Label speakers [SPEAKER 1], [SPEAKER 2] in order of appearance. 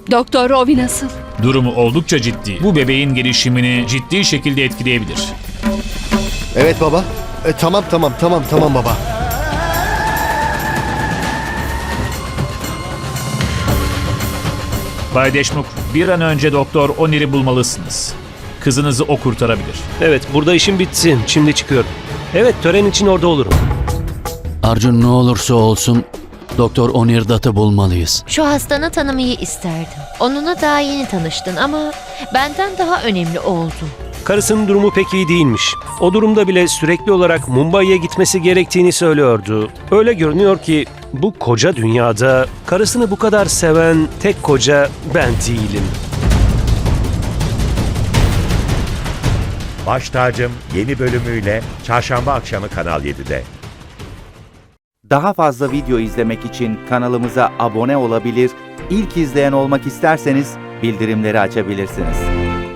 [SPEAKER 1] Doktor Rovi nasıl?
[SPEAKER 2] Durumu oldukça ciddi. Bu bebeğin gelişimini ciddi şekilde etkileyebilir.
[SPEAKER 3] Evet baba. Tamam baba.
[SPEAKER 2] Bay Deşmuk, bir an önce Doktor Onir'i bulmalısınız. Kızınızı o kurtarabilir.
[SPEAKER 4] Evet, burada işim bitsin. Şimdi çıkıyorum. Evet, tören için orada olurum.
[SPEAKER 5] Arjun, ne olursa olsun Doktor Onir Dutt'ı bulmalıyız.
[SPEAKER 6] Şu hastanı tanımayı isterdim. Onunla daha yeni tanıştın ama benden daha önemli oldu.
[SPEAKER 4] Karısının durumu pek iyi değilmiş. O durumda bile sürekli olarak Mumbai'ye gitmesi gerektiğini söylüyordu. Öyle görünüyor ki bu koca dünyada karısını bu kadar seven tek koca ben değilim.
[SPEAKER 7] Baş Tacım yeni bölümüyle Çarşamba akşamı Kanal 7'de.
[SPEAKER 8] Daha fazla video izlemek için kanalımıza abone olabilir, ilk izleyen olmak isterseniz bildirimleri açabilirsiniz.